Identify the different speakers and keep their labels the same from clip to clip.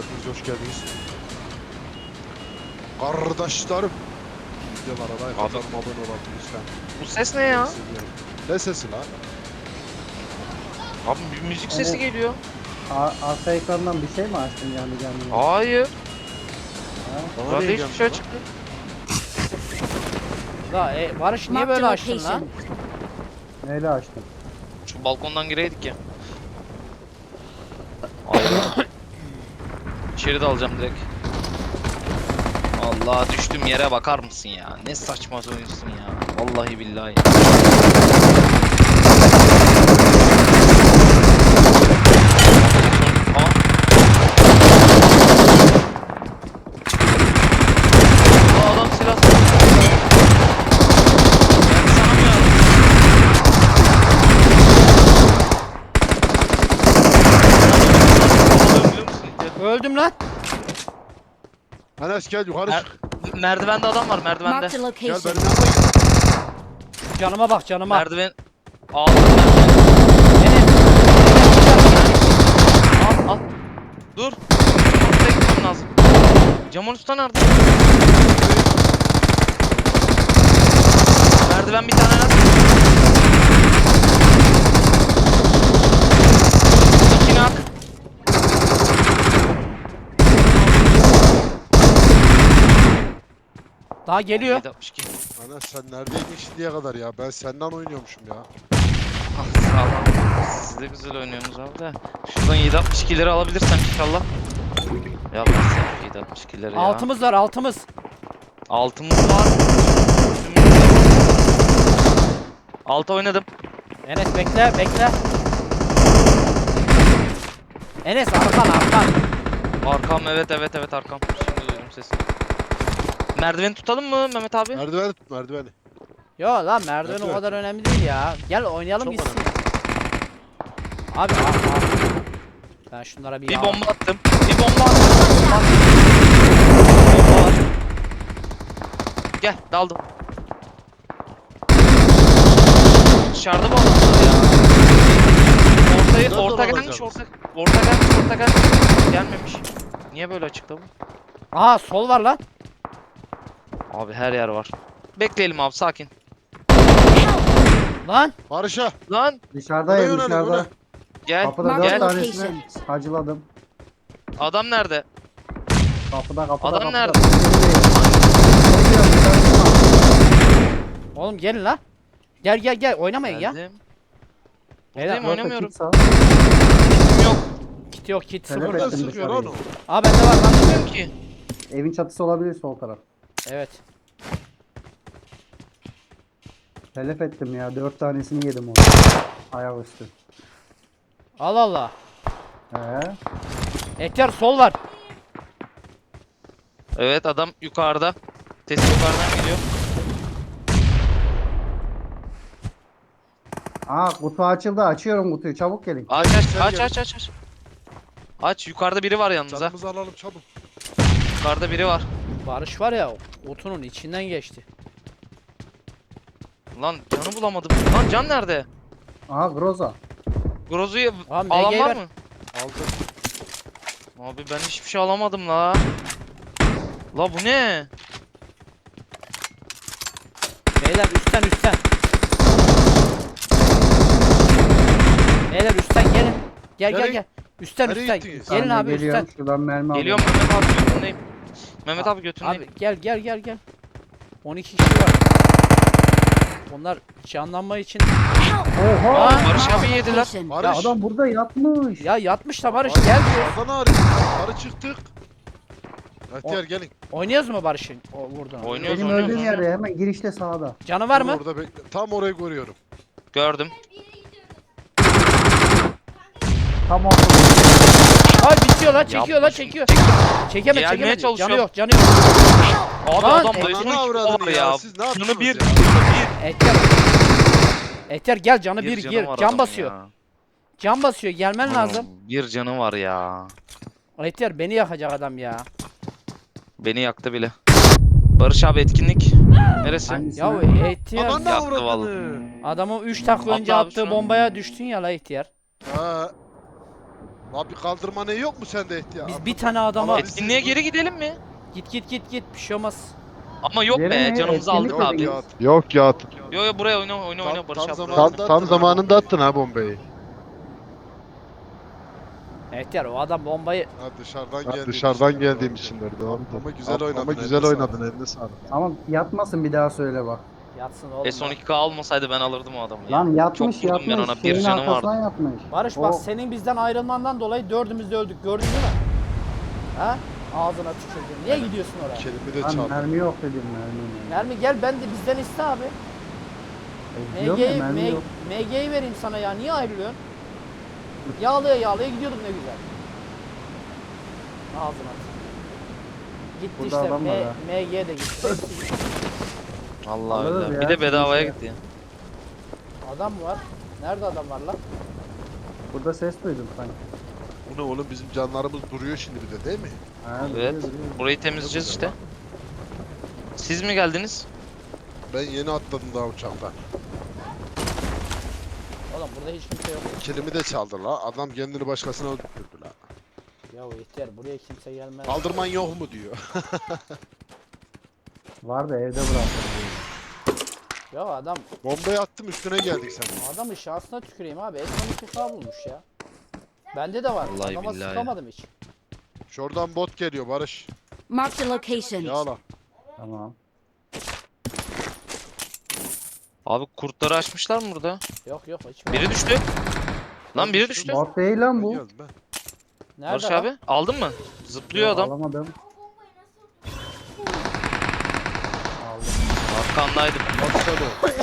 Speaker 1: hepiniz hoş geldiniz. Kardeşlerim. Videolara like atalım, abone olalım lütfen.
Speaker 2: Bu ses ne ya?
Speaker 1: Ne sesi lan?
Speaker 2: Abi bir müzik sesi geliyor.
Speaker 3: Arka ekrandan bir şey mi açtın canlı?
Speaker 2: Hayır.
Speaker 1: Bana
Speaker 2: Burada
Speaker 1: niye
Speaker 2: hiçbir şey
Speaker 1: geldi lan?
Speaker 2: çıktı.
Speaker 4: La Barış niye böyle açtın lan?
Speaker 3: Neyle açtın?
Speaker 2: Şu balkondan gireydik ya. Allah. İçeri de alacağım direkt. Allah, düştüm yere bakar mısın ya? Ne saçma oyunsun ya. Vallahi billahi. Aa. Aa, adam silah sıkıyor. Yani sana mı yardım? Biliyor musun?
Speaker 4: Öldüm lan.
Speaker 1: Enes gel yukarı çık.
Speaker 2: Merdivende adam var, merdivende.
Speaker 5: Marked a
Speaker 1: Gel
Speaker 5: location.
Speaker 1: benim yanıma gel.
Speaker 4: Canıma bak canıma.
Speaker 2: Merdiven aldım ben.
Speaker 4: Enes.
Speaker 2: Al. Dur. Ortaya gitmem lazım. Camon Usta nerede? Merdiven bir tane at. İki nak.
Speaker 4: Daha geliyor.
Speaker 2: 762.
Speaker 1: Enes sen neredeydin şimdiye kadar ya? Ben senden oynuyormuşum ya.
Speaker 2: Ah, sağ olun. Siz de güzel oynuyorsunuz abi de. Şuradan 762'leri alabilirsem inşallah. Ya ben 762'leri ya.
Speaker 4: Altımız var altımız.
Speaker 2: Altımız var. Alta oynadım.
Speaker 4: Enes bekle. Enes arkan.
Speaker 2: Arkam, evet arkam. Şimdi duydum sesini. Merdiveni tutalım mı Mehmet abi?
Speaker 1: Merdiveni tut merdiveni.
Speaker 4: Yo lan merdiven o
Speaker 1: Evet.
Speaker 4: kadar önemli değil ya. Gel oynayalım
Speaker 1: Çok
Speaker 4: gitsin.
Speaker 1: önemli.
Speaker 4: Abi. Ben şunlara bir
Speaker 2: Bir
Speaker 4: yağ-
Speaker 2: bomba attım. Bir bomba attım. Bomba var. Gel, daldım. Dışarıda bu adamlar ya.
Speaker 1: Nerede
Speaker 2: Orta gelmiş,
Speaker 1: olacağız?
Speaker 2: orta gelmiş. Gelmemiş. Niye böyle açıkta bu?
Speaker 4: Aha sol var lan.
Speaker 2: Abi her yer var. Bekleyelim abi, sakin.
Speaker 4: Lan.
Speaker 1: Barış'a.
Speaker 2: Lan
Speaker 3: Dışarıdayım
Speaker 1: Oraya yönelim,
Speaker 3: dışarıda.
Speaker 2: gel.
Speaker 3: Kapıda
Speaker 5: Marked
Speaker 3: 4
Speaker 2: Gel.
Speaker 3: tanesini hacıladım.
Speaker 2: Adam nerede?
Speaker 3: Kapıda.
Speaker 2: Adam nerede?
Speaker 4: Oğlum gelin lan. Gel oynamayın ya.
Speaker 2: Geldim.
Speaker 4: Beyler,
Speaker 2: Buradayım, oynamıyorum. Yok.
Speaker 4: Kit yok kit
Speaker 3: Evet,
Speaker 4: sıfır.
Speaker 1: Nereden
Speaker 3: evet.
Speaker 1: sıkıyor lan o?
Speaker 4: Aa bende var lan.
Speaker 2: Bilmiyorum ki.
Speaker 3: Evin çatısı olabilir sol taraf.
Speaker 4: Evet.
Speaker 3: Telef ettim ya 4 tanesini yedim onu. Ayaküstü.
Speaker 4: Allah Allah.
Speaker 3: He.
Speaker 4: Ehtiyar sol var.
Speaker 2: Evet, adam yukarıda. Ses yukarıdan geliyor.
Speaker 3: Aa kutu açıldı, açıyorum kutuyu, çabuk gelin.
Speaker 2: Aç.
Speaker 1: Gel.
Speaker 2: Aç, yukarıda biri var yalnız ha.
Speaker 1: Canımızı alalım çabuk.
Speaker 2: Yukarıda biri var.
Speaker 4: Barış var ya otunun içinden geçti.
Speaker 2: Lan canı bulamadım. Lan can nerede?
Speaker 3: Aha Groza.
Speaker 2: Grozu'yu
Speaker 4: Abi,
Speaker 2: alan
Speaker 4: MG
Speaker 2: var
Speaker 4: ver.
Speaker 2: mı?
Speaker 1: Aldım.
Speaker 2: Abi ben hiçbir şey alamadım la. La bu ne?
Speaker 4: Beyler üstten. Beyler üstten gelin.
Speaker 1: Nereye-
Speaker 4: Gel. Üstten.
Speaker 1: nereye gittiniz?
Speaker 4: Gelin
Speaker 3: Ben de
Speaker 4: abi
Speaker 3: geliyorum,
Speaker 4: üstten.
Speaker 3: şuradan mermi
Speaker 2: Geliyorum
Speaker 3: alıyorum.
Speaker 2: Mehmet abi, götündeyim. Mehmet abi götündeyim.
Speaker 4: Abi gel. 12 kişi var. Onlar canlanma için.
Speaker 3: Oha!
Speaker 4: Aa,
Speaker 2: Barış abi yediler.
Speaker 5: Location.
Speaker 3: Ya
Speaker 1: Barış.
Speaker 3: adam burada yatmış.
Speaker 4: Ya yatmış da Barış
Speaker 1: Barış,
Speaker 4: gel diyor.
Speaker 1: Oradan arıyor. Yukarı çıktık. Ihtiyar gelin.
Speaker 4: Oynuyoruz mu Barış'ın o vurduğunu?
Speaker 2: Oynuyoruz.
Speaker 3: Benim öldüğüm yerde hemen girişte sağda.
Speaker 4: Canı var
Speaker 1: Dur
Speaker 4: mı?
Speaker 1: Orada bekle. Tam orayı görüyorum.
Speaker 2: Gördüm.
Speaker 3: Tam ortada.
Speaker 4: Ay bitiyor lan çekiyor lan
Speaker 2: Yapma
Speaker 4: çekiyor.
Speaker 2: şunu.
Speaker 4: Çekemedi.
Speaker 2: Gelmeye çalışıyorum.
Speaker 4: Canı yok.
Speaker 2: Abi
Speaker 4: Lan,
Speaker 2: adam
Speaker 4: Ehtiyar-
Speaker 2: da
Speaker 1: Ananı avradını ya. Siz ne
Speaker 2: Canı
Speaker 1: yaptınız
Speaker 2: bir.
Speaker 1: ya?
Speaker 4: Ehtiyar gel canı bir
Speaker 2: canı
Speaker 4: gir.
Speaker 2: var
Speaker 4: Can
Speaker 2: adamın
Speaker 4: basıyor.
Speaker 2: ya.
Speaker 4: Can basıyor gelmen lazım.
Speaker 2: Bir canı var ya.
Speaker 4: Ehtiyar beni yakacak adam ya.
Speaker 2: Beni yaktı bile. Barış abi etkinlik. Neresi?
Speaker 3: Hangisi?
Speaker 4: Ya Ehtiyar
Speaker 1: Ananı
Speaker 2: Yaktı
Speaker 1: avradını.
Speaker 4: adamın 3 dakika
Speaker 2: Atla
Speaker 4: önce
Speaker 2: abi
Speaker 4: attığı
Speaker 2: şuna.
Speaker 4: bombaya düştün ya la Ehtiyar.
Speaker 1: Ha. Lan bir kaldırma ne yok mu sende ihtiyar?
Speaker 4: Biz bir tane adama...
Speaker 1: Ama-
Speaker 2: Etkinliğe geri gidelim mi?
Speaker 4: Git. Bir şey olmaz.
Speaker 2: Ama yok
Speaker 3: Yere
Speaker 2: be
Speaker 3: ne?
Speaker 2: canımızı
Speaker 3: Etkinlik
Speaker 2: aldık
Speaker 3: mi
Speaker 2: abi.
Speaker 3: dediniz?
Speaker 1: Yok ya.
Speaker 2: Yo buraya oyna Barış
Speaker 1: Tam
Speaker 2: abi. buraya.
Speaker 1: zamanında
Speaker 5: Tam
Speaker 1: attın ha
Speaker 5: zamanında
Speaker 1: bombayı.
Speaker 5: attın ha bombayı.
Speaker 4: Ehtiyar o adam bombayı...
Speaker 1: Ha, dışarıdan
Speaker 5: Ha,
Speaker 1: geldiğim
Speaker 5: dışarıdan
Speaker 1: için.
Speaker 5: geldiğim içindir doğru.
Speaker 1: Ama güzel oynadın.
Speaker 5: Ama güzel
Speaker 1: eline
Speaker 5: oynadın
Speaker 1: sağlık.
Speaker 5: eline sağlık.
Speaker 3: Ama yatmasın bir daha söyle bak.
Speaker 4: Yatsın oğlum.
Speaker 2: S12K almasaydı ben alırdım o adamı ya.
Speaker 3: Lan yatmış
Speaker 2: Çok vurdum ben ona, bir
Speaker 3: Şeyin
Speaker 2: canı
Speaker 3: arkasına
Speaker 2: vardı.
Speaker 3: yatmış.
Speaker 4: Barış
Speaker 3: O-
Speaker 4: bak senin bizden ayrılmandan dolayı dördümüz de öldük. Gördün değil mi? Ha? Ağzına tükürdün. Niye gidiyorsun oraya?
Speaker 1: Kelimi de
Speaker 3: Lan
Speaker 1: çaldı.
Speaker 3: mermi yok dedim mermi.
Speaker 4: Mermi gel ben de bizden iste abi.
Speaker 3: Diyorum ya mermi yok.
Speaker 4: MG'yi vereyim sana ya. Niye ayrılıyorsun? Yağlaya gidiyorduk ne güzel. Ağzına at. Gitti
Speaker 3: Burada
Speaker 4: işte.
Speaker 3: adam var ha.
Speaker 4: MG de gitti. Hepsi gitti.
Speaker 2: Allah
Speaker 3: Alırız
Speaker 2: öyle.
Speaker 3: ya,
Speaker 2: Bir de bedavaya
Speaker 3: sıkıntı
Speaker 2: gitti ya.
Speaker 4: Adam var. Nerede adam var lan?
Speaker 3: Burada ses duydum sanki.
Speaker 1: Bu ne oğlum bizim canlarımız duruyor şimdi bir de değil mi?
Speaker 3: Ha,
Speaker 2: Evet.
Speaker 3: duruyor, duruyor.
Speaker 2: Burayı temizleyeceğiz işte. Siz mi geldiniz?
Speaker 1: Ben yeni atladım daha uçaktan.
Speaker 4: Oğlum burada hiç kimse yok.
Speaker 1: Kelimi de çaldı la. Adam kendini başkasına öldürdü la.
Speaker 4: Ya ihtiyar buraya kimse gelmez.
Speaker 1: Kaldırman yok mu diyor.
Speaker 3: Var da evde bıraktım.
Speaker 4: Ya adam
Speaker 1: Bombayı attım üstüne geldik sen.
Speaker 4: adamın şansına tüküreyim abi. S12K bulmuş ya. Bende de var.
Speaker 2: Vallahi
Speaker 4: Adama
Speaker 2: billahi.
Speaker 4: sıkamadım hiç.
Speaker 1: Şuradan bot geliyor Barış.
Speaker 6: Marked a location.
Speaker 1: Yağla.
Speaker 3: Tamam.
Speaker 2: Abi kurtları açmışlar mı burada?
Speaker 4: Yok hiç.
Speaker 2: Biri düştü. Lan biri düştü.
Speaker 3: Bot değil lan
Speaker 1: Ben
Speaker 3: bu.
Speaker 1: geldim ben.
Speaker 4: Nerede
Speaker 2: Barış
Speaker 4: lan?
Speaker 2: abi aldın mı? Zıplıyor
Speaker 3: Yok,
Speaker 2: adam.
Speaker 3: Alamadım. Aldım.
Speaker 2: Arkandaydım.
Speaker 1: Bak sen o.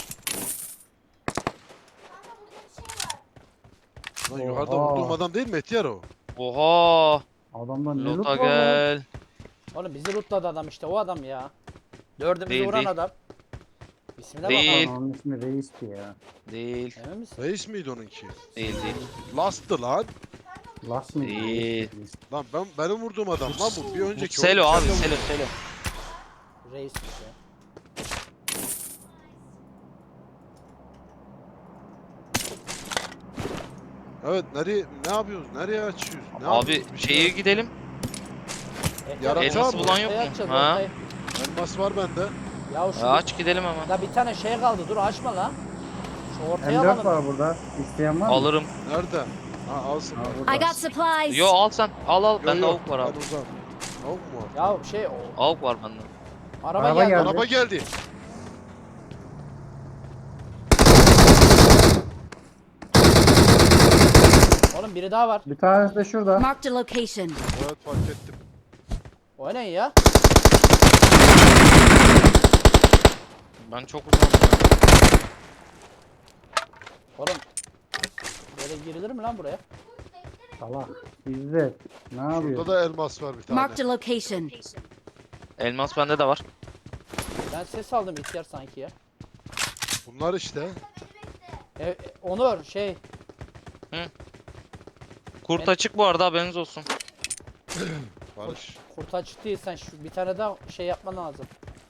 Speaker 1: Lan yukarıda
Speaker 3: Oha.
Speaker 1: vurduğum adam değil mi Etiyar o?
Speaker 2: Oha.
Speaker 3: Adamda ne loot
Speaker 2: Lota
Speaker 3: var lan?
Speaker 2: gel.
Speaker 4: Oğlum bizi lootladı adam işte o adam ya. Dördümüzü
Speaker 2: Değil,
Speaker 4: vuran
Speaker 2: değil.
Speaker 4: adam. İsmine
Speaker 2: Değil.
Speaker 4: bak.
Speaker 3: Onun ismi Reis'ti ya.
Speaker 2: Değil.
Speaker 4: Emin misin?
Speaker 1: Reis miydi onunki?
Speaker 2: Değil.
Speaker 1: Last'tı lan.
Speaker 3: Last mı?
Speaker 2: Değil.
Speaker 1: Lan benim vurduğum adam lan bu. Bir önceki
Speaker 2: Selo
Speaker 1: oyun
Speaker 2: abi
Speaker 1: içeride
Speaker 2: Selo.
Speaker 4: Reismiş ya.
Speaker 1: Evet nereye ne yapıyoruz? Nereye açıyoruz? Ne
Speaker 2: Abi
Speaker 1: yapıyoruz? Bir şey
Speaker 2: şeye gidelim.
Speaker 1: Yaratığa
Speaker 2: Elması
Speaker 1: mı?
Speaker 2: bulan yok
Speaker 4: Ortaya
Speaker 2: mu?
Speaker 4: açacağız,
Speaker 2: Ha?
Speaker 4: ortaya.
Speaker 1: Elmas var bende.
Speaker 4: Ya şu
Speaker 2: Aç gidelim hemen.
Speaker 4: da bir tane şey kaldı. Dur açma lan. Şu ortaya
Speaker 3: M4
Speaker 4: alalım.
Speaker 3: var burada. İsteyen var mı?
Speaker 2: Alırım.
Speaker 1: Nerede? Ha alsın.
Speaker 3: Ha,
Speaker 1: bak.
Speaker 3: burada.
Speaker 6: I got supplies.
Speaker 2: Yo al sen. Al.
Speaker 1: Yo,
Speaker 2: Bende
Speaker 1: yo,
Speaker 2: avuk var abi.
Speaker 1: ben uzak. Avuk mu var?
Speaker 4: Ya şey
Speaker 2: Avuk var bende.
Speaker 4: araba
Speaker 3: Araba
Speaker 4: geldi.
Speaker 3: geldi.
Speaker 1: Araba geldi.
Speaker 4: Oğlum biri daha var.
Speaker 3: Bir tanesi de şurada.
Speaker 6: Marked a location.
Speaker 1: Evet fark ettim.
Speaker 4: Oynayın ya.
Speaker 2: Ben çok uzağım ya.
Speaker 4: Oğlum. Böyle girilir mi lan buraya?
Speaker 3: Salak. İzzet. Ne yapıyor?
Speaker 1: Burada da elmas var bir tane.
Speaker 6: Marked a location.
Speaker 2: Elmas bende de var.
Speaker 4: Ben ses aldım ihtiyar sanki ya.
Speaker 1: Bunlar işte.
Speaker 4: Onur şey.
Speaker 2: Kurt açık bu arada haberiniz olsun.
Speaker 1: Barış.
Speaker 4: Kurta çıktıysan şu bir tane daha şey yapman lazım.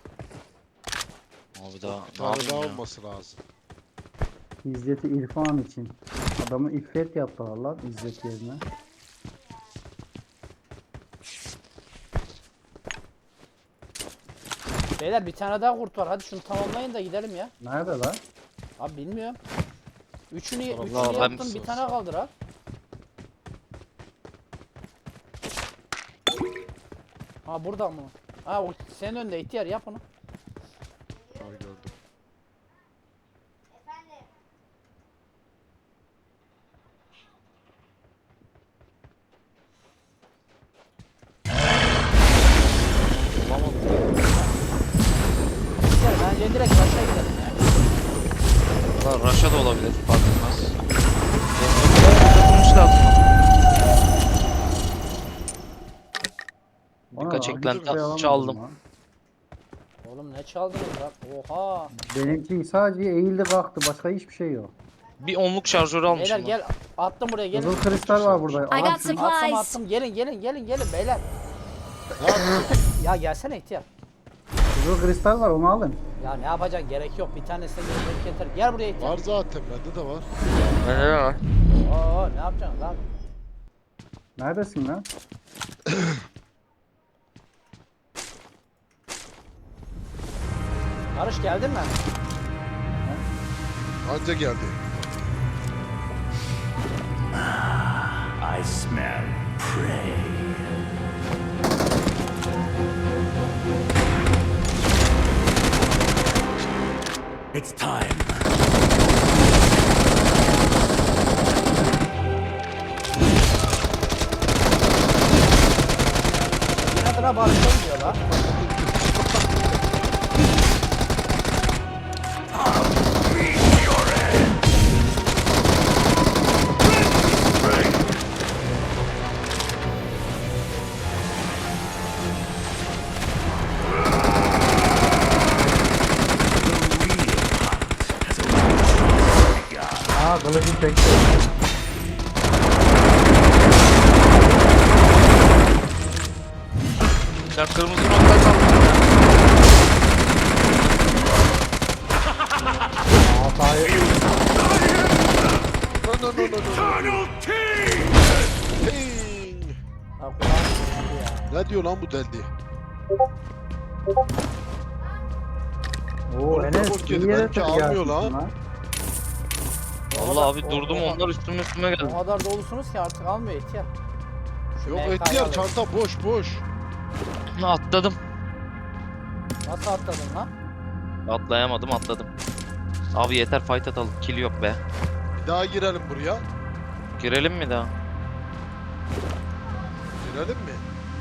Speaker 2: Abi daha
Speaker 1: Bir
Speaker 2: ne
Speaker 1: tane
Speaker 2: yapayım
Speaker 1: daha
Speaker 2: ya?
Speaker 1: olması lazım.
Speaker 3: İzzet'i İrfan için. Adamı İffet yaptılar lan İzzet yerine.
Speaker 4: Beyler bir tane daha kurt var. Hadi şunu tamamlayın da gidelim ya.
Speaker 3: Nerede lan?
Speaker 4: Abi bilmiyorum. Üçünü
Speaker 1: Allah,
Speaker 4: yaptım
Speaker 2: ben-
Speaker 4: bir tane kaldır ha. Ha burada mı? Ha o senin önünde ihtiyar yap onu.
Speaker 1: Ha gördüm.
Speaker 4: İhtiyar bence direkt başa gidelim ya.
Speaker 2: Var Raşa da olabilir fark etmez. Tutmuş lazım. Birkaç
Speaker 3: Ana,
Speaker 2: eklenti
Speaker 3: hiçbir şey alamadım
Speaker 2: çaldım.
Speaker 3: lan.
Speaker 4: Oğlum ne çaldınız lan? Oha.
Speaker 3: Benimki sadece eğildi kalktı. Başka hiçbir şey yok.
Speaker 2: Bir onluk şarjörü
Speaker 4: Beyler
Speaker 2: almışım.
Speaker 4: gel attım buraya gelin.
Speaker 3: Kızıl kristal var burada.
Speaker 6: I
Speaker 3: Al
Speaker 6: got
Speaker 3: şunu.
Speaker 6: supplies.
Speaker 4: Attım gelin beyler.
Speaker 1: Ne yapıyorsun?
Speaker 4: Ya gelsene ihtiyar.
Speaker 3: Kızıl kristal var onu alın.
Speaker 4: Ya ne yapacaksın gerek yok bir tanesini yemek yeter. Gel buraya ihtiyar.
Speaker 1: Var zaten bende de var.
Speaker 2: Bende de var.
Speaker 4: Oo ne yapacaksın lan?
Speaker 3: Neredesin lan?
Speaker 4: Barış geldin mi?
Speaker 1: Anca geldi.
Speaker 5: I smell prey. It's time.
Speaker 4: Nedir ha Barış'a gidiyor lan.
Speaker 3: Aa kılıcım çekti.
Speaker 2: Ya kırmızı nokta kaldı.
Speaker 3: Hatayı.
Speaker 1: No.
Speaker 5: Tunnel team!
Speaker 1: Ting.
Speaker 4: Ha kulağım yandı ya.
Speaker 1: Ne diyor lan bu deldi?
Speaker 3: Oo
Speaker 1: Oğlum,
Speaker 3: Enes
Speaker 1: kork
Speaker 3: iyi
Speaker 1: yedi,
Speaker 3: yere
Speaker 1: benimki
Speaker 3: tabii
Speaker 1: almıyor
Speaker 3: gelmişsin
Speaker 1: lan.
Speaker 2: Vallahi abi durdum onlar üstüme geldi.
Speaker 4: O kadar dolusunuz ki artık almıyor ihtiyar. Şu
Speaker 1: Yok
Speaker 4: MK'yı
Speaker 1: ihtiyar
Speaker 4: alayım.
Speaker 1: çanta boş.
Speaker 2: Atladım.
Speaker 4: Nasıl atladın lan?
Speaker 2: Atlayamadım atladım. Abi yeter fight atalım. Kill yok be.
Speaker 1: Bir daha girelim buraya.
Speaker 2: Girelim mi daha?
Speaker 1: Girelim mi?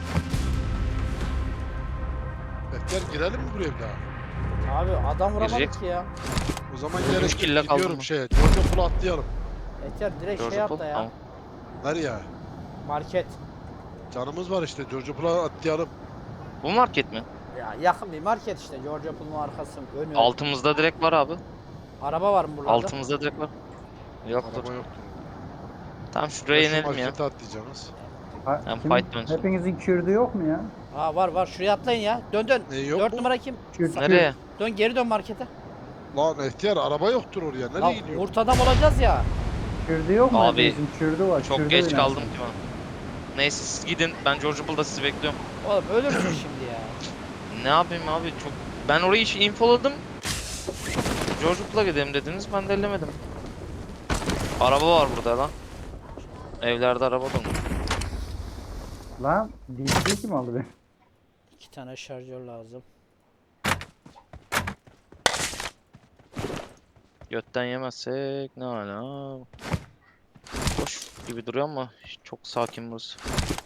Speaker 1: Bekler girelim mi buraya bir daha?
Speaker 4: Abi adam vuramadık
Speaker 2: Girecek.
Speaker 4: ki ya.
Speaker 1: O zaman
Speaker 2: Üç
Speaker 1: gerek
Speaker 2: kille
Speaker 1: yok.
Speaker 2: kaldı
Speaker 1: Gidiyorum
Speaker 2: mı?
Speaker 1: şeye. George Pool'a atlayalım.
Speaker 4: Ihtiyar direkt
Speaker 2: George
Speaker 4: şey
Speaker 2: Paul,
Speaker 4: atla ya.
Speaker 2: tamam.
Speaker 1: Nereye?
Speaker 4: Market.
Speaker 1: Canımız var işte. George Pool'a atlayalım.
Speaker 2: Bu market mi?
Speaker 4: Ya yakın bir market işte. George Apple'ın arkası. Önü.
Speaker 2: Altımızda direkt var abi.
Speaker 4: Araba var mı buralarda?
Speaker 2: Altımızda direkt var. Yoktur.
Speaker 1: Araba yoktur.
Speaker 2: Tamam şuraya
Speaker 1: Şu
Speaker 2: inelim ya.
Speaker 1: markete atlayacağız.
Speaker 3: Ha,
Speaker 2: Hem
Speaker 3: kim-
Speaker 2: fight dönsün.
Speaker 3: hepinizin kürdü yok mu ya?
Speaker 4: Aa var şuraya atlayın ya. Dön.
Speaker 1: Yok
Speaker 4: 4
Speaker 1: mu?
Speaker 4: numara kim?
Speaker 3: Kürt,
Speaker 2: Nereye?
Speaker 4: Dön geri dön markete.
Speaker 1: Lan ihtiyar araba yoktur oraya. Nereye
Speaker 4: Lan
Speaker 1: gidiyor?
Speaker 4: kurt adam olacağız ya.
Speaker 3: Kürdü yok mu?
Speaker 2: Abi,
Speaker 3: Hepinizin kürdü var.
Speaker 2: Çok
Speaker 3: kürdü
Speaker 2: geç
Speaker 3: oynasın.
Speaker 2: kaldım ki ben. Neyse siz gidin. Ben George Pool'da sizi bekliyorum.
Speaker 4: Oğlum ölürsün şimdi ya.
Speaker 2: Ne yapayım abi çok... Ben orayı infoladım. George Pool'a gidelim dediniz. Ben de ellemedim. Araba var burada lan. Evlerde araba dolu.
Speaker 3: Lan DC kim aldı beni?
Speaker 4: 2 tane şarjör lazım.
Speaker 2: Götten yemezsek ne hala. Boş gibi duruyor ama çok sakin burası.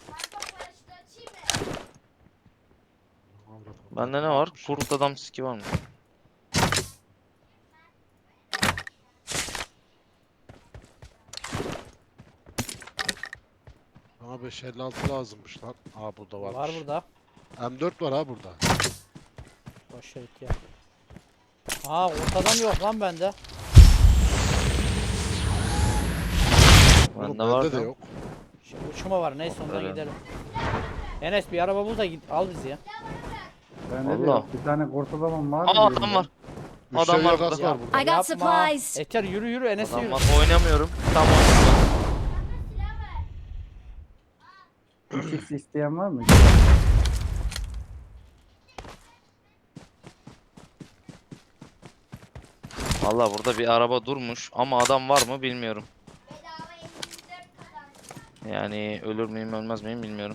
Speaker 2: Bende ne var? Kurt adam ski var mı?
Speaker 1: Bana 556 lazımmış lan. Aa burada varmış.
Speaker 4: Var burada.
Speaker 1: M4 var ha burada.
Speaker 4: Boş ver ya. Aa ortadan yok lan bende.
Speaker 1: Oğlum
Speaker 2: Bende var
Speaker 1: bende de
Speaker 2: da.
Speaker 1: yok.
Speaker 4: Şimdi uçma var neyse ondan
Speaker 2: Öyle.
Speaker 4: gidelim. Enes bir araba bul da git al bizi ya.
Speaker 3: Ben de
Speaker 2: Allah.
Speaker 3: yok. Bir tane kurt adamım var.
Speaker 2: Aa
Speaker 3: mı
Speaker 2: adam
Speaker 3: elimde?
Speaker 2: var.
Speaker 1: Müşteri
Speaker 2: Adam var
Speaker 1: yakası
Speaker 2: burada.
Speaker 1: var burada.
Speaker 6: I got supplies.
Speaker 4: Eter yürü Enes'i
Speaker 2: Adam
Speaker 4: yürü.
Speaker 2: var. Oynamıyorum. Tam oynamıyorum.
Speaker 3: 3x isteyen var mı?
Speaker 2: Valla burada bir araba durmuş ama adam var mı bilmiyorum. Yani ölür müyüm ölmez miyim bilmiyorum.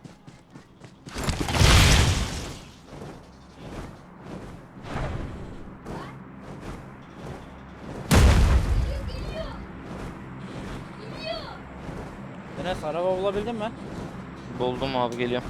Speaker 4: Enes araba bulabildin mi?
Speaker 2: Buldum abi geliyorum.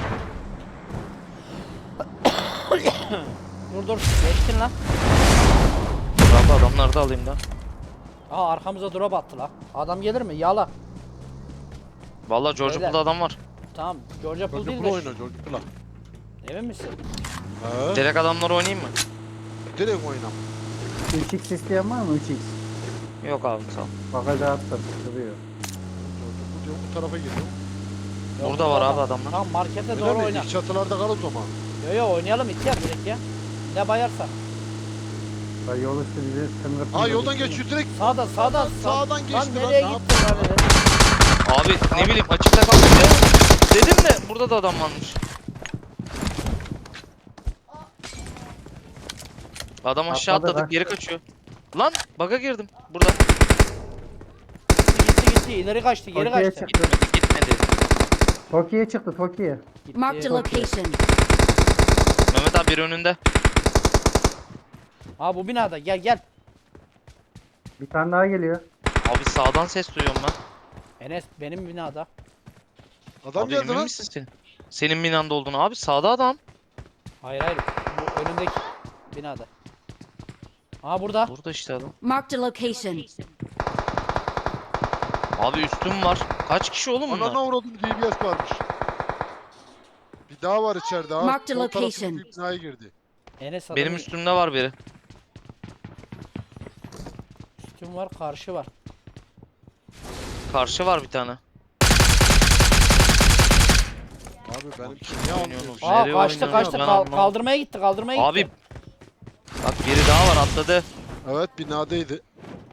Speaker 4: Dur geçtin lan.
Speaker 2: Abi adamları da alayım da.
Speaker 4: Aa arkamıza drop attı lan. Adam gelir mi? Yala.
Speaker 2: Valla George
Speaker 4: Beyler.
Speaker 2: Pool'da adam var.
Speaker 4: Tamam. George Apple
Speaker 1: George
Speaker 4: değil
Speaker 1: Pool
Speaker 4: de.
Speaker 1: oyna George Pool'a.
Speaker 4: Emin misin?
Speaker 1: He?
Speaker 2: Direkt adamları oynayayım mı?
Speaker 1: Direkt oynam.
Speaker 3: 3x isteyen var mı? 3x.
Speaker 2: Yok abi sağ ol.
Speaker 3: Bakacağı attım. Duruyor.
Speaker 1: George Pool diyor bu tarafa geliyor.
Speaker 4: Yok,
Speaker 2: Burada var
Speaker 4: adam.
Speaker 2: abi adamlar.
Speaker 4: Tamam markete
Speaker 1: Öyle
Speaker 4: doğru
Speaker 1: mi?
Speaker 4: oyna.
Speaker 1: İlk çatılarda kal o zaman.
Speaker 4: Yo oynayalım ihtiyar direkt ya. Ne bayarsa.
Speaker 3: Ya yol üstü bizi sınır.
Speaker 1: Aa yoldan geçiyor direkt.
Speaker 4: Sağdan.
Speaker 1: Sağdan geçti
Speaker 4: Lan
Speaker 1: lan,
Speaker 4: nereye
Speaker 1: ne
Speaker 4: gittin lan öyle?
Speaker 2: Abi ne bileyim açıkta kaldı ya. Dedim de burada da adam varmış. Adam aşağı
Speaker 3: Atladı,
Speaker 2: atladı
Speaker 3: kaçtı.
Speaker 2: geri kaçıyor. Lan bug'a girdim burada.
Speaker 4: Gitti ileri kaçtı geri
Speaker 3: Toki'ye
Speaker 4: kaçtı.
Speaker 3: çıktı.
Speaker 2: Gitmedi.
Speaker 3: Toki'ye çıktı Toki'ye.
Speaker 6: Marked a
Speaker 4: Gitti.
Speaker 6: location.
Speaker 2: Mehmet abi biri önünde.
Speaker 4: Aa bu binada gel.
Speaker 3: Bir tane daha geliyor.
Speaker 2: Abi sağdan ses duyuyorum ben.
Speaker 4: Enes benim binada.
Speaker 1: Adam
Speaker 2: Abi
Speaker 1: geldi
Speaker 2: emin
Speaker 1: lan.
Speaker 2: misin sen? Senin binanda olduğunu abi sağda adam.
Speaker 4: Hayır bu önündeki binada. Aa burada.
Speaker 2: Burada işte adam.
Speaker 6: Marked a location.
Speaker 2: Abi üstüm var. Kaç kişi oğlum bunlar?
Speaker 1: Anana uğradım DBS varmış. Bir daha var içeride ha.
Speaker 6: Marked
Speaker 1: Sol
Speaker 6: location.
Speaker 1: tarafındaki binaya girdi.
Speaker 4: Enes
Speaker 2: Benim
Speaker 4: adamın
Speaker 2: üstümde var biri.
Speaker 4: üstüm var karşı var.
Speaker 2: Karşı var bir tane.
Speaker 1: Abi benimki
Speaker 2: Ne
Speaker 1: niye
Speaker 2: oynuyorsunuz?
Speaker 1: almıyor?
Speaker 4: Aa
Speaker 2: Nereye
Speaker 4: kaçtı
Speaker 2: oynuyor
Speaker 4: kaçtı
Speaker 2: ben
Speaker 4: Kal-
Speaker 2: anlamadım.
Speaker 4: kaldırmaya gitti.
Speaker 2: Abi bak biri daha var atladı.
Speaker 1: Evet binadaydı.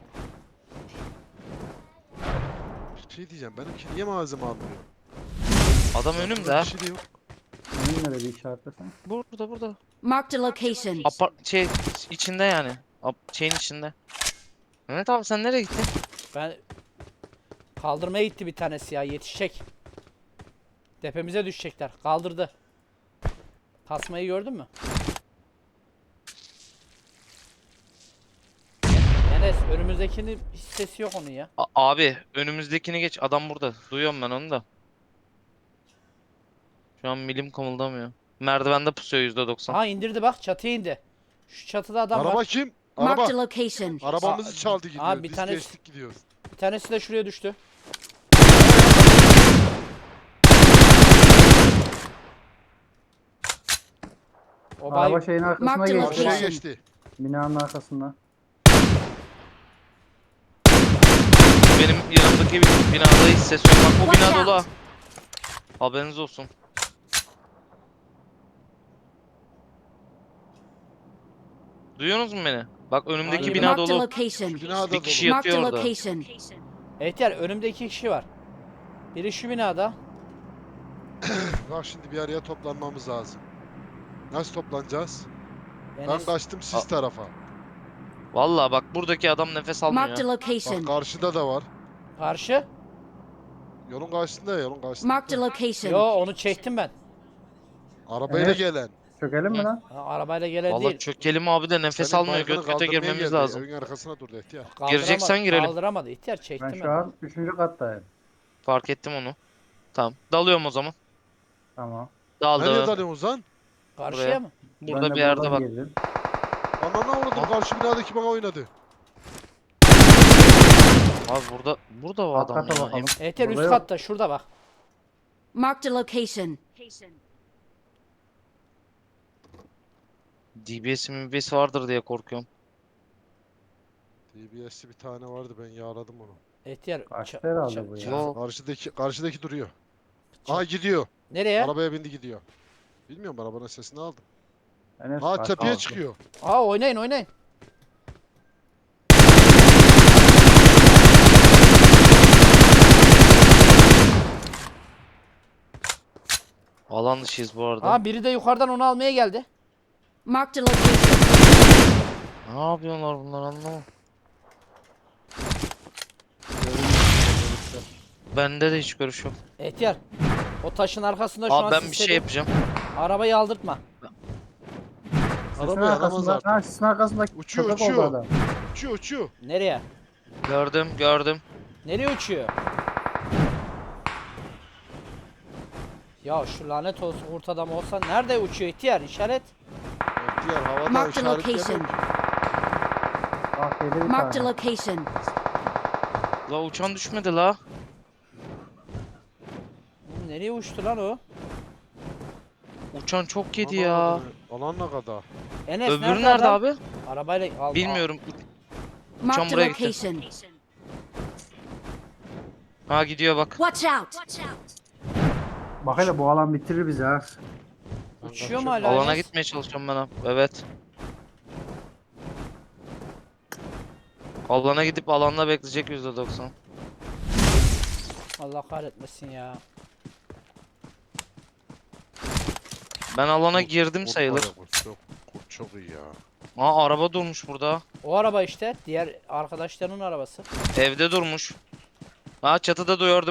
Speaker 1: Bir şey diyeceğim benimki niye malzeme almıyor?
Speaker 2: Adam
Speaker 1: Burada
Speaker 2: önümde
Speaker 1: bir
Speaker 2: ha.
Speaker 1: şey de yok.
Speaker 3: Önün nerede işaretlesen?
Speaker 2: Burada.
Speaker 6: Marked a location.
Speaker 2: İçinde yani. Şeyin içinde. Mehmet abi sen nereye gittin?
Speaker 4: Ben kaldırmaya gitti bir tanesi ya yetişecek. Tepemize düşecekler. Kaldırdı. Tasmayı gördün mü? Enes önümüzdekinin hiç sesi yok onun ya.
Speaker 2: Abi önümüzdekini geç. Adam burada. Duyuyorum ben onu da. Şu an milim kımıldamıyor. Merdivende pusuyor %90.
Speaker 4: Ha indirdi bak çatıya indi. Şu çatıda adam
Speaker 1: Araba
Speaker 4: var.
Speaker 1: kim?
Speaker 6: Marked a
Speaker 1: Araba.
Speaker 6: location.
Speaker 1: Arabamızı
Speaker 4: Aa,
Speaker 1: çaldı gidiyor.
Speaker 4: abi bir
Speaker 1: Biz
Speaker 4: tanesi-
Speaker 1: geçtik gidiyoruz.
Speaker 4: Bir tanesi de şuraya düştü. O bay
Speaker 3: Araba şeyin arkasına
Speaker 6: Marked
Speaker 3: geçti.
Speaker 6: location.
Speaker 1: Karşıya geçti.
Speaker 3: Binanın arkasında.
Speaker 2: Benim yanımdaki binada hiç ses yok. Bak bu
Speaker 6: Watch
Speaker 2: bina
Speaker 6: out.
Speaker 2: dolu ha. Haberiniz olsun. Duyuyorsunuz mu beni? Bak önümdeki
Speaker 4: Hangi
Speaker 2: bina
Speaker 6: Marked a
Speaker 2: dolu.
Speaker 6: location.
Speaker 1: Binada
Speaker 2: Bir kişi
Speaker 1: dolu.
Speaker 6: Marked a
Speaker 2: yatıyor orada.
Speaker 6: location.
Speaker 4: Ehtiyar önümde 2 kişi var. Biri şu binada.
Speaker 1: Bak şimdi bir araya toplanmamız lazım. Nasıl toplanacağız? Ben
Speaker 4: Enes,
Speaker 1: kaçtım siz tarafa.
Speaker 2: Vallahi bak buradaki adam nefes almıyor.
Speaker 6: Marked a
Speaker 2: ya.
Speaker 1: Bak
Speaker 6: location.
Speaker 1: karşıda da var.
Speaker 4: karşı.
Speaker 1: Yolun karşısında ya yolun karşısında.
Speaker 6: Marked a location.
Speaker 4: Yo onu çektim ben.
Speaker 1: Arabayla
Speaker 3: Evet.
Speaker 1: gelen.
Speaker 3: Çökelim mi
Speaker 2: Hı.
Speaker 3: lan?
Speaker 4: Ha, arabayla gelen
Speaker 2: Vallahi
Speaker 4: değil.
Speaker 2: çökelim abi de nefes
Speaker 1: Senin
Speaker 2: almıyor.
Speaker 1: baygını
Speaker 2: Göt göte
Speaker 1: kaldırmaya
Speaker 2: girmemiz
Speaker 1: geldi.
Speaker 2: lazım.
Speaker 1: Evin arkasına durdu ihtiyar.
Speaker 2: Gireceksen girelim.
Speaker 4: Kaldıramadı ihtiyar çektim
Speaker 3: Ben
Speaker 4: ben.
Speaker 3: şu an 3. kattayım.
Speaker 2: Fark ettim onu. Tamam. Dalıyorum o zaman.
Speaker 3: Tamam.
Speaker 1: Nereye
Speaker 2: Daldım.
Speaker 1: dalıyorsun Ozan?
Speaker 4: Karşıya
Speaker 2: Buraya.
Speaker 4: mı?
Speaker 2: Burada
Speaker 3: Ben de
Speaker 2: bir yerde
Speaker 3: buradan
Speaker 2: bak.
Speaker 3: girdim.
Speaker 1: Anana uğradım karşı binadaki bana oynadı.
Speaker 2: Abi burada o
Speaker 3: Alt
Speaker 2: adam
Speaker 3: kata
Speaker 2: ya.
Speaker 3: bakalım.
Speaker 4: Ehtiyar
Speaker 3: Burada
Speaker 4: üst
Speaker 3: yok.
Speaker 4: katta şurada bak.
Speaker 6: Marked a location.
Speaker 2: DBS MBS vardır diye korkuyorum.
Speaker 1: DBS'li bir tane vardı ben yağladım onu.
Speaker 4: Ehtiyar
Speaker 3: Kaçtı herhalde bu ya.
Speaker 2: Yok.
Speaker 1: Karşıdaki duruyor. Aha gidiyor.
Speaker 4: Nereye?
Speaker 1: Arabaya bindi gidiyor. Bilmiyorum arabanın sesini aldım.
Speaker 3: Enes
Speaker 1: Aa
Speaker 3: kaçtı.
Speaker 1: tepeye çıkıyor.
Speaker 4: Aa oynayın.
Speaker 2: Alan dışıyız bu arada.
Speaker 4: Aa biri de yukarıdan onu almaya geldi.
Speaker 6: Marked a location.
Speaker 2: Ne yapıyorlar bunlar anlamadım. Bende de hiç görüş yok.
Speaker 4: Ehtiyar. O taşın arkasında şu
Speaker 2: Abi
Speaker 4: an
Speaker 2: ben bir şey
Speaker 4: sisledim.
Speaker 2: yapacağım.
Speaker 4: Arabayı aldırtma.
Speaker 3: Sisin
Speaker 1: Araba yaramaz
Speaker 3: arkasında.
Speaker 1: artık.
Speaker 3: Ha sisin arkasında
Speaker 1: Uçuyor,
Speaker 3: köpek
Speaker 1: uçuyor.
Speaker 3: oldu adam.
Speaker 1: Uçuyor.
Speaker 4: Nereye?
Speaker 2: Gördüm.
Speaker 4: Nereye uçuyor? Ya şu lanet olsun kurt adam olsa nerede uçuyor ihtiyar işaret?
Speaker 1: İhtiyar havada
Speaker 6: Marked a location.
Speaker 1: işaretlemiyor.
Speaker 3: Bak yedi bir
Speaker 6: Marked a
Speaker 3: tane.
Speaker 6: location.
Speaker 2: La uçan düşmedi la.
Speaker 4: Oğlum nereye uçtu lan o?
Speaker 2: Uçan çok yedi
Speaker 1: Ana,
Speaker 2: ya.
Speaker 1: Alan ne kadar?
Speaker 4: Enes
Speaker 2: Öbürü nerede
Speaker 4: adam?
Speaker 2: abi?
Speaker 4: Arabayla al.
Speaker 2: Bilmiyorum.
Speaker 6: Marked a
Speaker 2: buraya gitti.
Speaker 6: location.
Speaker 2: Ha gidiyor bak.
Speaker 6: Watch out.
Speaker 3: Bak hele bu alan bitirir bizi ha.
Speaker 1: Ben
Speaker 4: Uçuyor mu
Speaker 1: kaçıyorum.
Speaker 4: hala?
Speaker 2: Alana
Speaker 4: Enes?
Speaker 2: gitmeye çalışıyorum ben abi. Evet. Alana gidip alanda bekleyecek %90.
Speaker 4: Allah kahretmesin ya.
Speaker 2: Ben alana girdim
Speaker 1: Kurt
Speaker 2: sayılır.
Speaker 1: var ya, kurt çok iyi ya.
Speaker 2: Aa araba durmuş burada.
Speaker 4: O araba işte. Diğer arkadaşlarının arabası.
Speaker 2: Evde durmuş. Aa çatıda gördüm.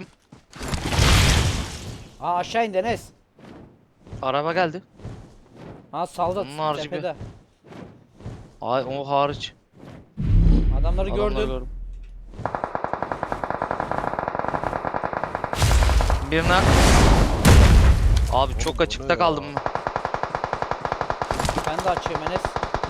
Speaker 4: Ha aşağı in Enes.
Speaker 2: Araba geldi.
Speaker 4: Ha saldı
Speaker 2: Onun harici bir-
Speaker 4: tepede.
Speaker 2: Ay o hariç.
Speaker 4: Adamları
Speaker 2: Adamları
Speaker 4: gördüm.
Speaker 2: gördüm. Birine. Abi
Speaker 1: Oğlum,
Speaker 2: çok
Speaker 1: bu
Speaker 2: açıkta
Speaker 1: ne
Speaker 2: kaldım.
Speaker 1: ya?
Speaker 4: Ben de açıyorum Enes.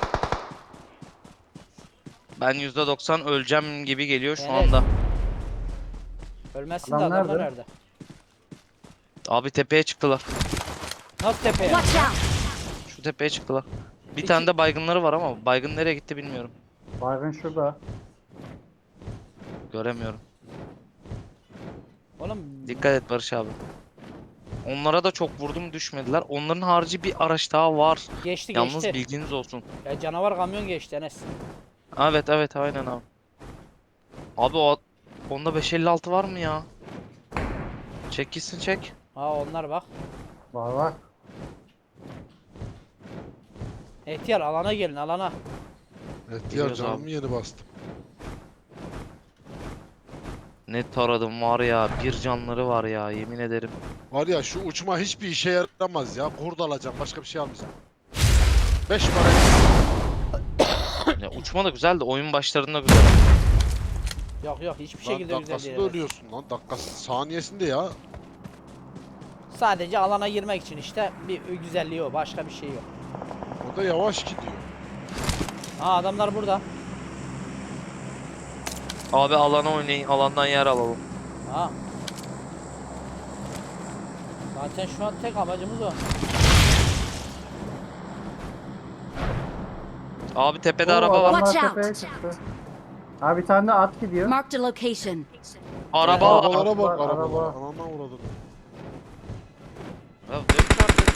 Speaker 2: Ben %90 öleceğim gibi geliyor şu
Speaker 4: Evet.
Speaker 2: anda.
Speaker 4: Ölmezsin de
Speaker 3: Adam
Speaker 4: adamlar
Speaker 3: nerede?
Speaker 4: nerede?
Speaker 2: Abi tepeye çıktılar.
Speaker 4: Nasıl tepeye?
Speaker 6: Watch out!
Speaker 2: Şu tepeye çıktılar. Bir
Speaker 4: Peki-
Speaker 2: tane de baygınları var ama baygın nereye gitti bilmiyorum.
Speaker 3: Baygın şurada.
Speaker 2: Göremiyorum.
Speaker 4: Oğlum
Speaker 2: Dikkat et Barış abi. Onlara da çok vurdum düşmediler. Onların harici bir araç daha var.
Speaker 4: geçti
Speaker 2: Yalnız
Speaker 4: geçti.
Speaker 2: bilginiz olsun.
Speaker 4: Ya canavar kamyon geçti Enes.
Speaker 2: Evet evet aynen abi. Abi onda 556 var mı ya? Çek gitsin çek.
Speaker 4: Ha onlar bak.
Speaker 3: Var var.
Speaker 4: Ehtiyar alana gelin alana.
Speaker 1: Evet ya
Speaker 2: Biliyoruz
Speaker 1: canımı
Speaker 2: abi.
Speaker 1: yeni bastım.
Speaker 2: Ne taradım var ya. Bir canları var ya yemin ederim.
Speaker 1: Var ya şu uçma hiçbir işe yaramaz ya. Kurt alacağım başka bir şey almayacağım. 5 para.
Speaker 2: Ya uçma da güzel de oyun başlarında güzel.
Speaker 4: Yok yok hiçbir
Speaker 1: Lan
Speaker 4: şekilde güzel
Speaker 1: dakikasında
Speaker 4: değil. Enes.
Speaker 1: ölüyorsun lan. Dakikası saniyesinde ya.
Speaker 4: Sadece alana girmek için işte bir güzelliği o. Başka bir şey yok.
Speaker 1: O da yavaş gidiyor.
Speaker 4: Ha adamlar burada.
Speaker 2: Abi alana oynayın. Alandan yer alalım.
Speaker 4: Ha. Zaten şu an tek amacımız o.
Speaker 2: Abi tepede
Speaker 3: Oo,
Speaker 2: araba var.
Speaker 3: adamlar
Speaker 6: Watch out.
Speaker 3: tepeye çıktı. Abi bir tane de at gidiyor.
Speaker 6: Marked a location.
Speaker 2: Araba var.
Speaker 1: Arabalara bak
Speaker 3: Araba.
Speaker 1: arabalara. Anandan uğradım.
Speaker 2: Ya dönüş artık.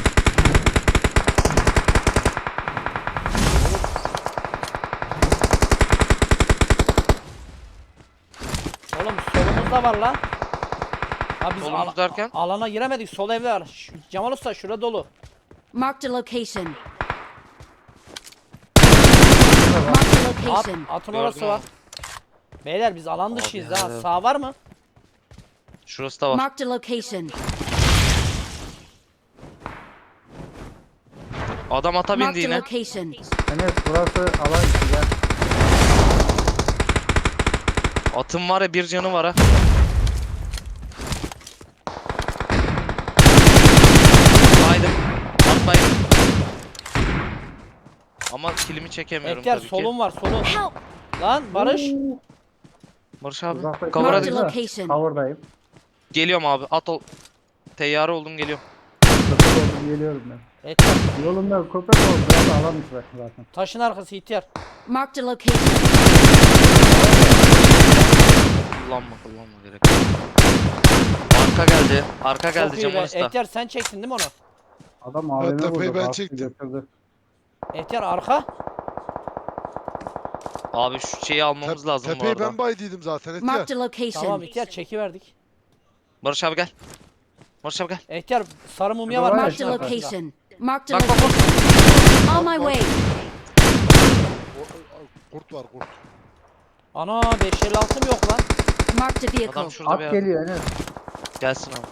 Speaker 4: Oğlum solumuzda var lan. Ha biz
Speaker 2: Solumuz derken?
Speaker 4: alana giremedik. Sol evde var. Cemal Usta şurada dolu.
Speaker 6: Marked a location. Marked a location.
Speaker 4: Atın
Speaker 2: Gördüm
Speaker 4: orası var.
Speaker 2: abi.
Speaker 4: Beyler biz alan dışıyız ha.
Speaker 2: ya.
Speaker 4: Sağ var mı?
Speaker 2: Şurası da var.
Speaker 6: Marked a location.
Speaker 2: Adam ata bindi
Speaker 6: Marked a
Speaker 2: yine.
Speaker 6: location.
Speaker 3: Enes burası alan içi gel.
Speaker 2: Atın var ya bir canı var ha. Baydım. At baydım. Ama kilimi çekemiyorum
Speaker 4: Ehtiyar
Speaker 2: tabii ki.
Speaker 4: solun var solun.
Speaker 6: Help!
Speaker 4: Lan Barış.
Speaker 2: Barış abi.
Speaker 3: Uzakta
Speaker 2: Cover'a
Speaker 6: Marked
Speaker 2: dik-
Speaker 6: a location.
Speaker 3: Cover'dayım.
Speaker 2: Geliyorum abi. At ol. Teyyare oldum geliyorum.
Speaker 3: Köpek oldum geliyorum ben.
Speaker 4: Ehtiyar
Speaker 3: Yolumda köpek oldu. Burası alan içi zaten.
Speaker 4: taşın arkası ihtiyar.
Speaker 6: Marked a location.
Speaker 2: Kullanma gerek. Arka geldi. Arka geldi
Speaker 4: Çok iyi
Speaker 2: Cemal
Speaker 4: be.
Speaker 2: Usta.
Speaker 4: Ehtiyar sen çektin değil mi onu?
Speaker 3: Adam AVM
Speaker 1: tepeyi
Speaker 3: vurdu.
Speaker 1: ben
Speaker 3: bastı,
Speaker 1: çektim.
Speaker 3: götürdü.
Speaker 4: Ehtiyar arka.
Speaker 2: Abi şu şeyi almamız lazım bu
Speaker 1: Tepeyi
Speaker 2: arada.
Speaker 1: ben baydıydım zaten Etiyar.
Speaker 6: Marked a
Speaker 4: Tamam
Speaker 6: location.
Speaker 4: ihtiyar çekiverdik.
Speaker 2: Barış abi gel. Barış abi gel.
Speaker 4: Ehtiyar sarı mumya
Speaker 3: Var
Speaker 4: var.
Speaker 3: ya,
Speaker 6: Marked a
Speaker 4: taşın arkasında.
Speaker 6: location. Marked a
Speaker 2: Bak bak
Speaker 6: location.
Speaker 2: bak.
Speaker 6: On my way.
Speaker 1: Kurt var kurt.
Speaker 4: Ana 556'm yok lan.
Speaker 6: Marked a vehicle.
Speaker 2: Adam şurada bir
Speaker 3: At
Speaker 2: yerde.
Speaker 3: geliyor Enes.
Speaker 2: Gelsin abi.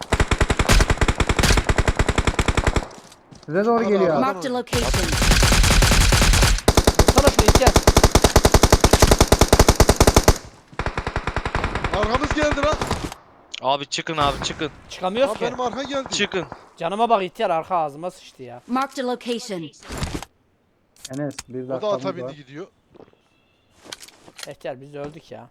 Speaker 3: Size doğru geliyor abi.
Speaker 6: Marked a location.
Speaker 4: Vursana şunu ihtiyar.
Speaker 1: Arkamız geldi lan.
Speaker 2: Abi çıkın abi çıkın.
Speaker 4: Çıkamıyoruz
Speaker 1: Abi
Speaker 4: ki.
Speaker 1: benim arka geldi.
Speaker 2: Çıkın.
Speaker 4: Canıma bak ihtiyar arka ağzıma sıçtı ya.
Speaker 6: Marked a location.
Speaker 3: Enes bir
Speaker 1: O da
Speaker 3: dakikamız
Speaker 1: ata
Speaker 3: var.
Speaker 1: bindi gidiyor.
Speaker 4: Ehtiyar biz öldük ya.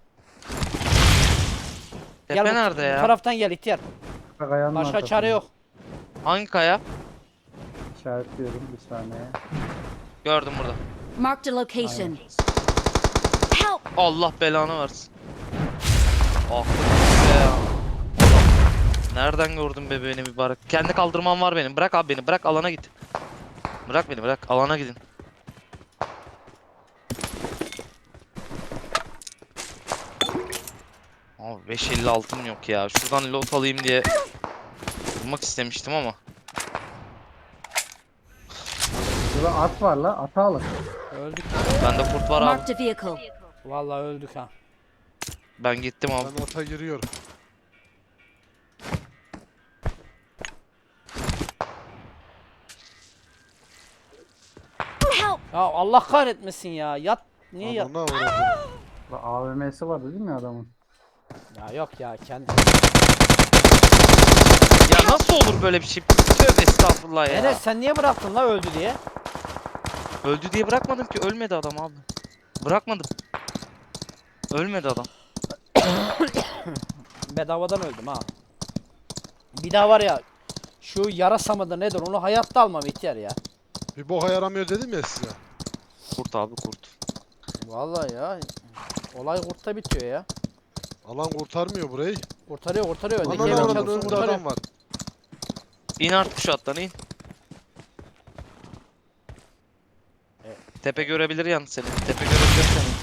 Speaker 2: Tepe
Speaker 4: bu-
Speaker 2: nerede
Speaker 4: Bu
Speaker 2: ya?
Speaker 4: taraftan gel ihtiyar.
Speaker 3: Kayanın
Speaker 4: Başka
Speaker 3: arkasında.
Speaker 4: çare yok.
Speaker 2: Hangi kaya?
Speaker 3: İşaretliyorum bir saniye.
Speaker 2: Gördüm burada.
Speaker 6: Marked a location. Help!
Speaker 2: Allah belanı versin. Ah be ya. Adam. Nereden gördün be beni mübarek? Kendi kaldırmam var benim. Bırak abi beni. Bırak alana git. Bırak beni bırak. Alana gidin. Abi 556'm yok ya. Şuradan loot alayım diye bulmak istemiştim ama.
Speaker 3: Burada at var la, atı alın.
Speaker 4: Öldük.
Speaker 2: Bende kurt var abi.
Speaker 6: Marked a vehicle.
Speaker 4: Vallahi öldük ha.
Speaker 2: Ben gittim abi.
Speaker 1: Ben ata giriyorum.
Speaker 6: Help!
Speaker 4: Ya Allah kahretmesin ya. Yat. Niye yat?
Speaker 1: Anana uğradım.
Speaker 3: La AVM'si var değil mi adamın?
Speaker 4: Ya yok ya kendi.
Speaker 2: Ya nasıl olur böyle bir şey? Tövbe estağfurullah ya.
Speaker 4: Enes sen niye bıraktın la öldü diye?
Speaker 2: Öldü diye bırakmadım ki. Ölmedi adam abi. Bırakmadım. Ölmedi adam.
Speaker 4: Bedavadan öldüm ha. Bir daha var ya. Şu yarasa mıdır nedir onu hayatta almam ihtiyar ya.
Speaker 1: Bir boka yaramıyor dedim ya size.
Speaker 2: Kurt abi kurt.
Speaker 4: Vallahi ya. Olay kurtta bitiyor ya.
Speaker 1: Alan kurtarmıyor burayı.
Speaker 4: Kurtarıyor kurtarıyor. Öndeki
Speaker 1: Anana
Speaker 4: evin
Speaker 1: uğradım,
Speaker 4: çatısını
Speaker 1: önünde
Speaker 4: kurtarıyor.
Speaker 1: adam var.
Speaker 2: İn artık şu attan in. Tepe görebilir yalnız seni. Tepe görebilir seni.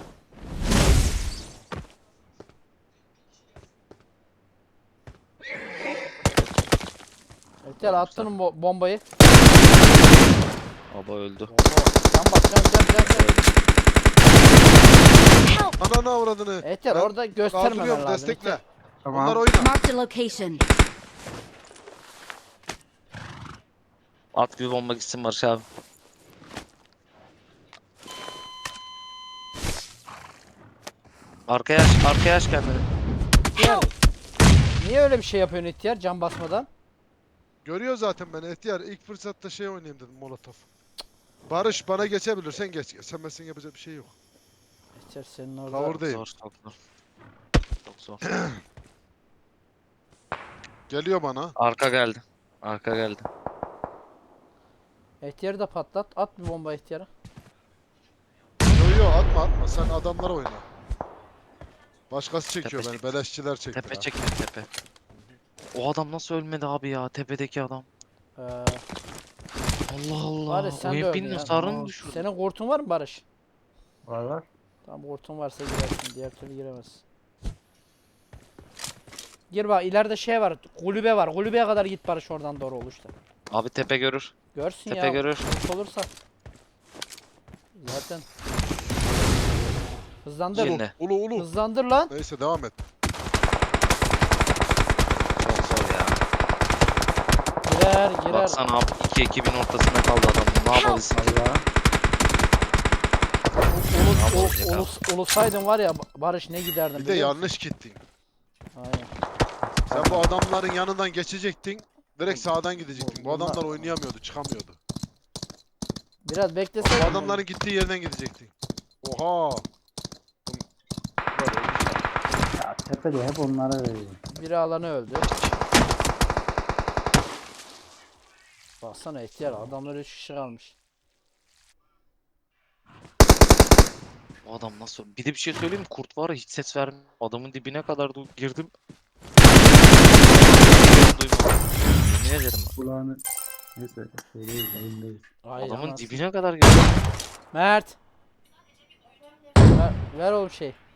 Speaker 4: İhtiyar attın mı bombayı?
Speaker 2: Baba öldü.
Speaker 4: Can bak can.
Speaker 6: Help!
Speaker 1: Anana avradını.
Speaker 4: İhtiyar
Speaker 1: Ben
Speaker 4: orada göstermemen
Speaker 1: kaldırıyorum,
Speaker 4: lazım.
Speaker 1: destekle.
Speaker 4: İhtiyar.
Speaker 3: Tamam.
Speaker 1: Onlar oyna.
Speaker 6: Marked a location.
Speaker 2: At bir bomba gitsin Barış abi. Arkaya aç kendini.
Speaker 4: İhtiyar. Niye öyle bir şey yapıyorsun ihtiyar can basmadan?
Speaker 1: Görüyor zaten beni. Ehtiyar ilk fırsatta şey oynayayım dedim, molotof. Barış bana geçebilirsen geç. Geçemezsen yapacak bir şey yok.
Speaker 4: İhtiyar senin orada.
Speaker 1: Kavurdayım.
Speaker 2: Zor, çok zor. Çok zor.
Speaker 1: Geliyor bana.
Speaker 2: Arka geldi. Arka geldi.
Speaker 4: İhtiyarı da patlat. At bir bomba ihtiyara.
Speaker 1: Yo atma sen adamlara oyna. Başkası çekiyor
Speaker 2: Tepe
Speaker 1: beni, beleşçiler çekti.
Speaker 2: Tepe
Speaker 1: ha.
Speaker 2: çekiyor tepe. O adam nasıl ölmedi abi ya tepedeki adam.
Speaker 4: Ee,
Speaker 2: Allah Allah.
Speaker 4: Barış sen de
Speaker 2: Oyun
Speaker 4: öldün ya.
Speaker 2: hasarını mı düşürdü?
Speaker 4: Senin kurtun var mı Barış?
Speaker 3: Var.
Speaker 4: Tamam kurtun varsa girersin. Diğer türlü giremezsin. Gir bak ileride şey var. Kulübe var. Kulübeye kadar git Barış oradan doğru oluştu.
Speaker 2: Abi tepe görür.
Speaker 4: Görsün
Speaker 2: Tepe
Speaker 4: ya.
Speaker 2: görür.
Speaker 4: Kurt olursa. Zaten. Hızlandır.
Speaker 2: Yine.
Speaker 1: Ulu.
Speaker 4: Hızlandır lan.
Speaker 1: Neyse devam et.
Speaker 2: Çok zor ya.
Speaker 4: Girer.
Speaker 2: Baksana abi iki ekibin ortasında kaldı adam. Ne yapabilirsin?
Speaker 3: Allah.
Speaker 4: Ulusaydın var ya Barış ne giderdin
Speaker 1: Bir de
Speaker 4: biliyor musun?
Speaker 1: yanlış gittin.
Speaker 4: Aynen.
Speaker 1: Sen bu adamların yanından geçecektin. Direkt sağdan gidecektin. Bu
Speaker 4: Bunlar-
Speaker 1: adamlar oynayamıyordu, çıkamıyordu.
Speaker 4: Biraz
Speaker 1: Bu
Speaker 4: bekleseydin.
Speaker 1: adamların gittiği yerden gidecektin. Oha.
Speaker 3: Ya tepede hep onlara veriyor.
Speaker 4: Biri alanı öldü. Baksana ihtiyar adamlar 3 kişi kalmış.
Speaker 2: O adam nasıl? Bir de bir şey söyleyeyim mi? Kurt var ya hiç ses vermiyor. Adamın dibine kadar girdim. Duymadım. Yemin ederim bak.
Speaker 3: Kulağını... Neyse şeydeyiz, yayındayız.
Speaker 4: Hayır,
Speaker 2: Adamın
Speaker 4: ama-
Speaker 2: dibine kadar girdim.
Speaker 4: Mert. Ver oğlum şey.